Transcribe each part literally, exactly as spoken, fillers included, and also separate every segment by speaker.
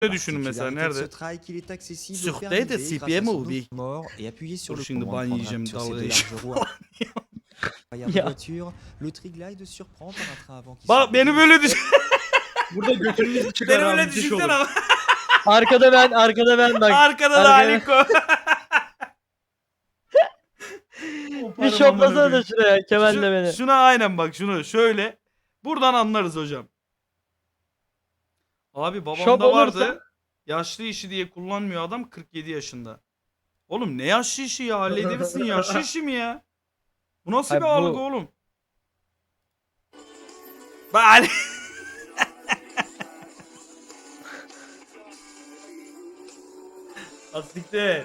Speaker 1: Ne düşünün mesela
Speaker 2: Particularité de
Speaker 1: nerede?
Speaker 2: ce trike, il est accessible
Speaker 1: Sur
Speaker 2: au
Speaker 1: T
Speaker 2: permis
Speaker 1: de
Speaker 2: B
Speaker 1: C
Speaker 2: grâce
Speaker 1: P
Speaker 2: à
Speaker 1: M
Speaker 2: son
Speaker 1: ou bir?
Speaker 2: mort et appuyez sur
Speaker 1: Dur
Speaker 2: le
Speaker 1: şimdi
Speaker 2: commande
Speaker 1: ban
Speaker 2: prendra
Speaker 1: yiyeceğim
Speaker 2: sur ces
Speaker 1: dalga
Speaker 2: deux
Speaker 1: geçiyor.
Speaker 2: larges roues arrière de
Speaker 3: Ya.
Speaker 2: voiture. Le triglide surprend par un train avant qui
Speaker 1: Bak
Speaker 2: semble
Speaker 1: beni böyle düşün.
Speaker 4: Burada götünüzü çıkar
Speaker 1: Beni
Speaker 4: abi.
Speaker 1: böyle
Speaker 4: Müthiş
Speaker 1: düşünsene
Speaker 4: olur.
Speaker 1: ama.
Speaker 3: Arkada ben, arkada ben bak.
Speaker 1: Arkada da
Speaker 3: Arkaya-
Speaker 1: Aliko.
Speaker 3: Bir
Speaker 1: Koparım amına
Speaker 3: şoplasana da
Speaker 1: koyayım.
Speaker 3: şuraya Kemal'le
Speaker 1: Şu-
Speaker 3: beni.
Speaker 1: Şuna aynen bak şunu şöyle. Buradan anlarız hocam. Abi babamda
Speaker 3: Şop
Speaker 1: vardı.
Speaker 3: olursa-
Speaker 1: Yaşlı işi diye kullanmıyor adam kırk yedi yaşında. Oğlum ne yaşlı işi ya halledebilirsin yaşlı işi mi ya? Bu nasıl
Speaker 3: Hayır,
Speaker 1: bir
Speaker 3: bu-
Speaker 1: algı oğlum? Bari. Asiktir.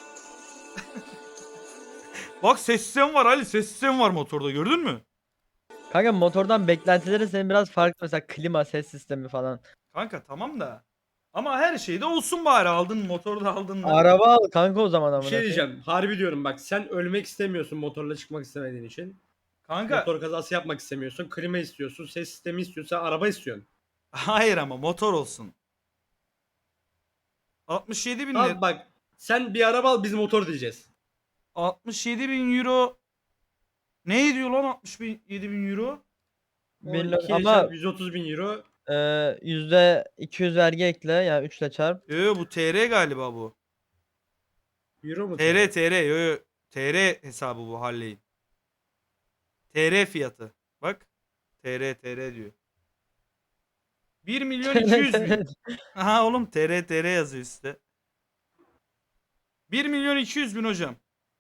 Speaker 1: Bak ses sistemi var Ali ses sistemi var motorda gördün mü?
Speaker 3: Kanka motordan beklentilerin senin biraz farklı, mesela klima, ses sistemi falan.
Speaker 1: Kanka tamam da. Ama her şeyde olsun bari aldın motorda aldın da.
Speaker 3: Araba al kanka o zaman
Speaker 4: Bir
Speaker 3: amına
Speaker 4: şey
Speaker 3: koyayım.
Speaker 4: diyeceğim. Harbi diyorum bak, sen ölmek istemiyorsun motorla çıkmak istemediğin için.
Speaker 1: Kanka
Speaker 4: Motor kazası yapmak istemiyorsun. Klima istiyorsun. Ses sistemi istiyorsun. Sen araba istiyorsun.
Speaker 1: hayır ama motor olsun. altmış yedi bin
Speaker 4: Abi
Speaker 1: lira.
Speaker 4: bak, sen bir araba al, biz motor diyeceğiz.
Speaker 1: altmış yedi bin euro. Ne ediyor lan altmış yedi bin euro?
Speaker 3: Bilmiyorum
Speaker 4: on iki
Speaker 3: ama
Speaker 4: yüz otuz bin euro.
Speaker 3: e, yüzde iki yüz vergi ekle, yani üç ile çarp.
Speaker 1: Yo yo bu T R galiba bu.
Speaker 4: Euro mu?
Speaker 1: T R T R yo yo. T R hesabı bu Harley'in. T R fiyatı. Bak. T R T R diyor. bir milyon iki yüz bin. Aha oğlum T R T R yazıyor üstte. bir milyon iki yüz bin hocam.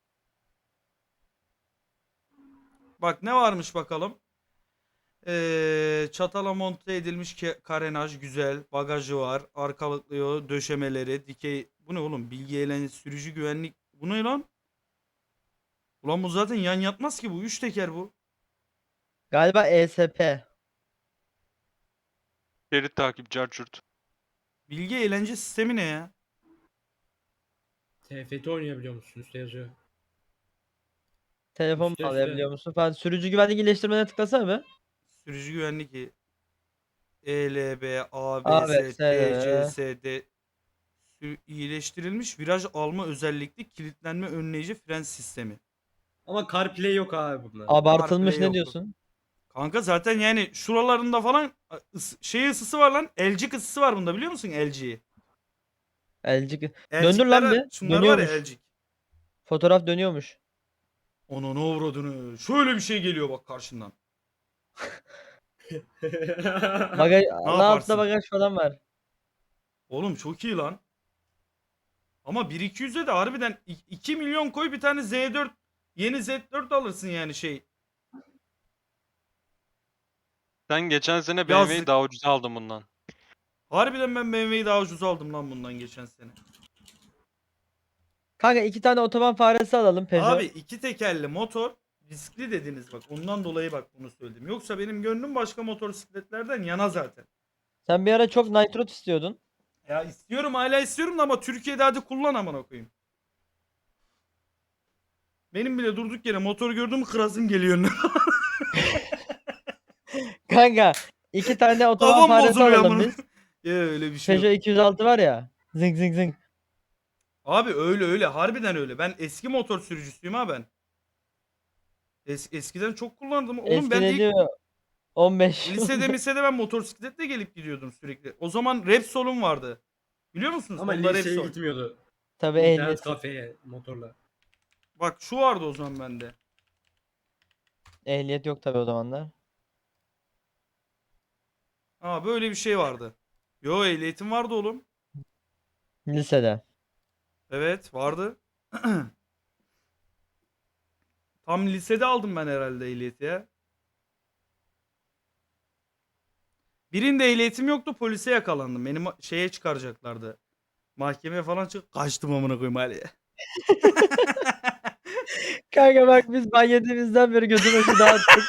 Speaker 1: Bak ne varmış bakalım. Ee, çatala monte edilmiş ke- karenaj güzel. Bagajı var. Arkalıklıyor. Döşemeleri. Dikey. Bu ne oğlum? Bilgi eğlence sürücü güvenlik. Bu ne lan? Ulan bu zaten yan yatmaz ki bu. Üç teker bu.
Speaker 3: Galiba E S P.
Speaker 5: Şerit takip carçurt.
Speaker 1: Bilgi eğlence sistemi ne ya?
Speaker 4: T F T oynayabiliyor musun? Üstte yazıyor.
Speaker 3: Telefon
Speaker 4: Üstte,
Speaker 3: bağlayabiliyor musun falan. Sürücü güvenlik iyileştirmene tıklasana be.
Speaker 1: Sürücü güvenlik. E L B, A
Speaker 3: A,
Speaker 1: B,
Speaker 3: B,
Speaker 1: S,
Speaker 3: S,
Speaker 1: T, C,
Speaker 3: D.
Speaker 1: S, D. Sü- iyileştirilmiş viraj alma özellikli kilitlenme önleyici fren sistemi.
Speaker 4: Ama CarPlay yok abi bunda.
Speaker 3: Abartılmış
Speaker 1: CarPlay
Speaker 3: ne
Speaker 1: yok.
Speaker 3: diyorsun?
Speaker 1: Kanka zaten yani şuralarında falan ıs- şey ısısı var lan. L G ısısı var bunda biliyor musun L G'yi?
Speaker 3: L G. Döndür lan bir.
Speaker 1: Şunlar var ya
Speaker 3: Dönüyormuş.
Speaker 1: L G.
Speaker 3: Fotoğraf dönüyormuş.
Speaker 1: Onun uğradığını. Şöyle bir şey geliyor bak karşından.
Speaker 3: Bagaj,
Speaker 1: Ne
Speaker 3: Allah
Speaker 1: yaparsın?
Speaker 3: altta bagaj falan var.
Speaker 1: Oğlum çok iyi lan. Ama bir iki yüze de harbiden i- iki milyon koy bir tane Z dört yeni Z dört alırsın yani şey.
Speaker 5: Sen geçen sene B M W'yi
Speaker 1: Yazlık.
Speaker 5: daha ucuza aldın bundan.
Speaker 1: Harbiden ben B M W'yi daha ucuz aldım lan bundan geçen sene.
Speaker 3: Kanka iki tane otoban faresi alalım Peugeot.
Speaker 1: Abi iki tekerli motor riskli dediniz bak. Ondan dolayı bak bunu söyledim. Yoksa benim gönlüm başka motosikletlerden yana zaten.
Speaker 3: Sen bir ara çok Nitrot istiyordun.
Speaker 1: Ya istiyorum hala istiyorum da ama Türkiye'de hadi kullan amına koyayım. Benim bile durduk yere motor gördüm kırasım geliyor.
Speaker 3: Kanka iki tane otoban
Speaker 1: Kafam
Speaker 3: faresi
Speaker 1: bozuluyor
Speaker 3: alalım
Speaker 1: amına.
Speaker 3: biz.
Speaker 1: Ya öyle bir şey yok.
Speaker 3: Peugeot iki yüz altı var ya. Zing zing zing.
Speaker 1: Abi öyle öyle harbiden öyle. Ben eski motor sürücüsüyüm ha ben. Es- eskiden çok kullandım. Oğlum
Speaker 3: Eski
Speaker 1: ben
Speaker 3: ne
Speaker 1: ilk
Speaker 3: diyor? on beş.
Speaker 1: lisede misede ben motosikletle gelip gidiyordum sürekli. O zaman Repsol'um vardı. Biliyor musunuz?
Speaker 4: Ama
Speaker 1: Honda
Speaker 4: liseye
Speaker 1: Repsol.
Speaker 4: gitmiyordu.
Speaker 3: Tabii
Speaker 4: İnternet
Speaker 3: ehliyet.
Speaker 4: kafeye motorla.
Speaker 1: Bak şu vardı o zaman bende.
Speaker 3: Ehliyet yok tabii o zamanlar.
Speaker 1: Aa böyle bir şey vardı. Yo ehliyetim vardı oğlum.
Speaker 3: Lisede.
Speaker 1: Evet vardı. Tam lisede aldım ben herhalde ehliyeti ya. Birinde ehliyetim yoktu polise yakalandım. Beni ma- şeye çıkaracaklardı. Mahkemeye falan çık. Kaçtım amına koyayım Ali'ye.
Speaker 3: Kanka bak biz ban yediğimizden beri gözü başı dağıttık.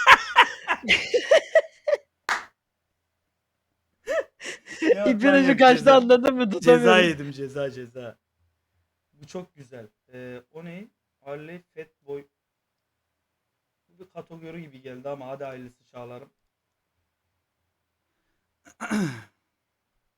Speaker 3: İpin ucu kaçtı anladın mı?
Speaker 1: Ceza
Speaker 3: Tutamıyorum.
Speaker 1: yedim ceza ceza. Bu çok güzel. Ee, o ne? Harley Fatboy. Bu bir kategori gibi geldi ama hadi hayırlısı çağlarım.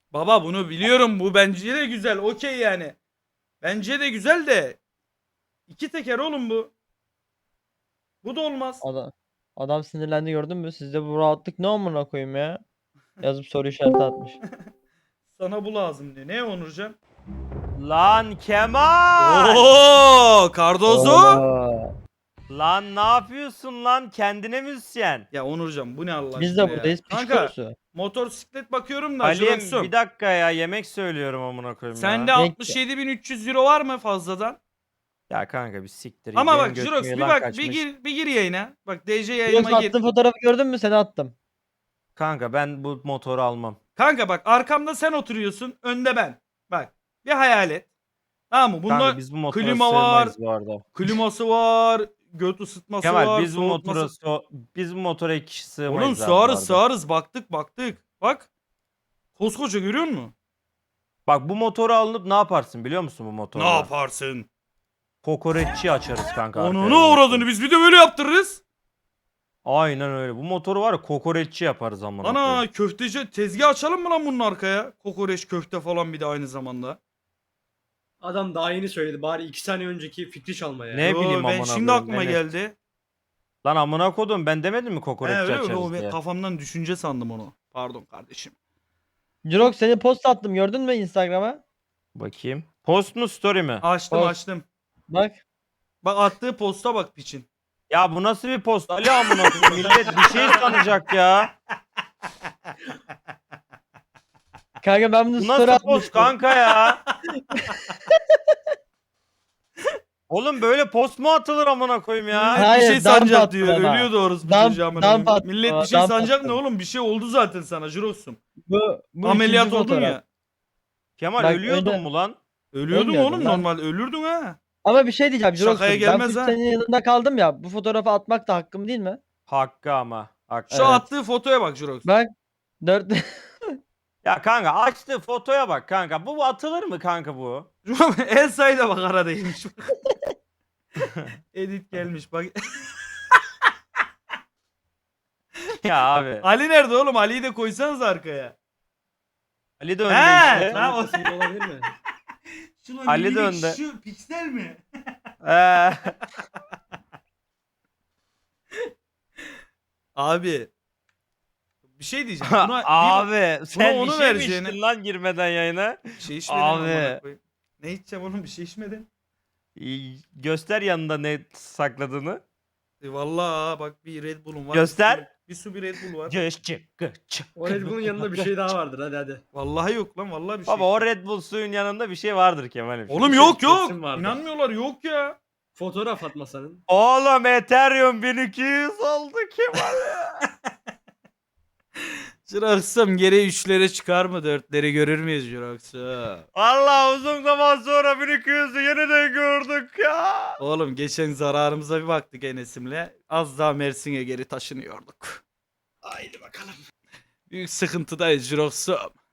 Speaker 1: Baba bunu biliyorum. Bu bence de güzel. Okey yani. Bence de güzel de. İki teker oğlum bu. Bu da olmaz.
Speaker 3: Adam, adam sinirlendi gördün mü? Sizde bu rahatlık ne amına koyayım ya? Yazıp soru işareti atmış.
Speaker 1: Sana bu lazım diyor. Ne Onurcan?
Speaker 6: Lan Kemal!
Speaker 1: Oo, Cardozo.
Speaker 3: Oo.
Speaker 6: Lan ne yapıyorsun lan? Kendine müzisyen.
Speaker 1: Ya Onurcan bu ne Allah
Speaker 3: Biz
Speaker 1: aşkına
Speaker 3: de
Speaker 1: ya?
Speaker 3: buradayız. Piç
Speaker 1: Kanka
Speaker 3: kurusu.
Speaker 1: motosiklet bakıyorum da
Speaker 6: Ali'm
Speaker 1: Jirox'um.
Speaker 6: bir dakika ya yemek söylüyorum amına koyayım
Speaker 1: Sende
Speaker 6: ya.
Speaker 1: altmış yedi bin üç yüz euro var mı fazladan?
Speaker 6: Ya kanka bir siktir.
Speaker 1: Ama
Speaker 6: benim
Speaker 1: bak
Speaker 6: götüm
Speaker 1: Jirox bir
Speaker 6: yılan
Speaker 1: bak
Speaker 6: kaçmış.
Speaker 1: bir gir bir gir yayına. Bak D J
Speaker 3: Jirox
Speaker 1: yayınıma gir.
Speaker 3: attığın fotoğrafı gördün mü? Seni attım.
Speaker 6: Kanka ben bu motoru almam.
Speaker 1: Kanka bak arkamda sen oturuyorsun, önde ben. Bak bir hayal et. Tamam mı? Bunda
Speaker 6: Kanka biz bu motora
Speaker 1: klima var,
Speaker 6: sığmayız bu arada.
Speaker 1: kliması var, göt ısıtması
Speaker 6: Kemal
Speaker 1: var,
Speaker 6: biz bu
Speaker 1: soğutması.
Speaker 6: motora so- biz bu motora iki kişi sığmayız
Speaker 1: Oğlum
Speaker 6: abi bu
Speaker 1: sığarız
Speaker 6: arada.
Speaker 1: sığarız baktık baktık. Bak. Koskoca görüyor musun?
Speaker 6: Bak bu motoru alınıp ne yaparsın biliyor musun bu motoru?
Speaker 1: Ne yaparsın?
Speaker 6: Kokoreççi açarız kanka.
Speaker 1: Onu
Speaker 6: arkaya
Speaker 1: ne
Speaker 6: bu
Speaker 1: uğradığını
Speaker 6: motoru.
Speaker 1: biz bir de böyle yaptırırız.
Speaker 6: Aynen öyle. Bu motoru var ya kokoreççi yaparız amına
Speaker 1: Ana
Speaker 6: koyayım.
Speaker 1: köfteci tezgah açalım mı lan bunun arkaya? Kokoreç köfte falan bir de aynı zamanda.
Speaker 4: Adam daha yeni söyledi. Bari iki saniye önceki fikri çalma ya.
Speaker 6: Ne
Speaker 1: Yo,
Speaker 6: bileyim
Speaker 1: ben
Speaker 6: amına
Speaker 1: şimdi
Speaker 6: koyayım,
Speaker 1: aklıma
Speaker 6: Enes.
Speaker 1: geldi.
Speaker 6: Lan amına kodum ben demedim mi
Speaker 1: He,
Speaker 6: kokoreççi
Speaker 1: öyle mi?
Speaker 6: açarız
Speaker 1: O ben
Speaker 6: diye.
Speaker 1: kafamdan düşünce sandım onu. Pardon kardeşim.
Speaker 3: Jirox seni post attım gördün mü Instagram'a?
Speaker 6: Bakayım. Post mu story mi?
Speaker 1: Açtım
Speaker 3: Post.
Speaker 1: açtım.
Speaker 3: Bak.
Speaker 1: Bak attığı posta bak piçin.
Speaker 6: Ya bu nasıl bir post? Ali amına koyayım millet bir şey sanacak ya.
Speaker 3: Kanka ben bunu
Speaker 6: Bu
Speaker 3: story
Speaker 6: nasıl post
Speaker 3: atmıştım.
Speaker 6: kanka ya? Oğlum böyle post mu atılır amına koyayım ya?
Speaker 1: Millet
Speaker 3: Hayır,
Speaker 1: bir şey
Speaker 3: dump
Speaker 1: sanacak
Speaker 3: attı
Speaker 1: diyor.
Speaker 3: bana.
Speaker 1: Ölüyor doğrusu bu
Speaker 3: Dump-
Speaker 1: çocuğa amına
Speaker 3: dump
Speaker 1: koyayım.
Speaker 3: attı
Speaker 1: Millet
Speaker 3: bana,
Speaker 1: bir şey
Speaker 3: dump
Speaker 1: sanacak
Speaker 3: attı.
Speaker 1: ne oğlum? Bir şey oldu zaten sana Jirox'um.
Speaker 3: Bu, bu
Speaker 1: Ameliyat
Speaker 3: ikinci
Speaker 1: oldun
Speaker 3: fotoğraf.
Speaker 1: ya.
Speaker 6: Kemal
Speaker 3: Bak,
Speaker 6: ölüyordun
Speaker 3: öyle-
Speaker 6: mu lan?
Speaker 1: Ölüyordun
Speaker 3: Ölmüyordum
Speaker 1: oğlum
Speaker 3: lan.
Speaker 1: normal. Ölürdün ha.
Speaker 3: Ama bir şey diyeceğim Jirox'um.
Speaker 1: Şakaya
Speaker 3: Ben
Speaker 1: gelmez
Speaker 3: full
Speaker 1: ha.
Speaker 3: senin yanında kaldım ya. Bu fotoğrafı atmak da hakkım değil mi?
Speaker 6: Hakkı ama. Hakkı.
Speaker 1: Şu
Speaker 3: Evet.
Speaker 1: attığı fotoya bak Jirox.
Speaker 3: Bak. Dört...
Speaker 6: Ya kanka açtı fotoya bak kanka. Bu atılır mı kanka bu?
Speaker 1: Elsa'yı da bak aradaymış. Edit gelmiş bak.
Speaker 6: Ya abi.
Speaker 1: Ali nerede oğlum? Ali'yi de koysanız arkaya.
Speaker 6: Ali de önde
Speaker 1: He,
Speaker 6: işte.
Speaker 1: lan o-
Speaker 4: Ortasında olabilir mi?
Speaker 1: Şu
Speaker 6: Ali de
Speaker 1: minik
Speaker 6: önde.
Speaker 1: Şu piksel mi?
Speaker 6: Ee,
Speaker 1: Abi. Bir şey diyeceğim. Buna bir-
Speaker 6: abi sen
Speaker 1: onu
Speaker 6: bir şey mi
Speaker 1: vereceğine-
Speaker 6: içtin lan girmeden yayına?
Speaker 1: bir şey içmedim
Speaker 6: Abi.
Speaker 1: amına koyayım. Ne içeceğim oğlum? Bir şey içmedim.
Speaker 6: İyi, göster yanında ne sakladığını.
Speaker 1: E vallahi ha, bak bir Red Bull'um var.
Speaker 6: Göster.
Speaker 1: Bir su bir Red Bull var.
Speaker 6: Göççü, göççü.
Speaker 4: O Red Bull'un yanında bir şey daha vardır hadi hadi.
Speaker 1: Vallahi yok lan vallahi bir şey.
Speaker 6: Baba o
Speaker 1: içmedim.
Speaker 6: Red Bull suyun yanında bir şey vardır Kemal'im.
Speaker 1: Oğlum
Speaker 4: bir
Speaker 1: yok
Speaker 4: şey
Speaker 1: yok.
Speaker 4: kesin vardır.
Speaker 1: İnanmıyorlar yok ya.
Speaker 4: Fotoğraf atma senin.
Speaker 6: Oğlum Ethereum bin iki yüz oldu Kemal.
Speaker 1: Jirox'um geri üçlere çıkar mı? Dörtleri görür müyüz Jirox'um?
Speaker 6: Allah uzun zaman sonra bin iki yüzü yeniden gördük ya.
Speaker 1: Oğlum geçen zararımıza bir baktık Enes'imle. Az daha Mersin'e geri taşınıyorduk.
Speaker 4: Haydi bakalım.
Speaker 1: Büyük sıkıntıdayız Jirox'um.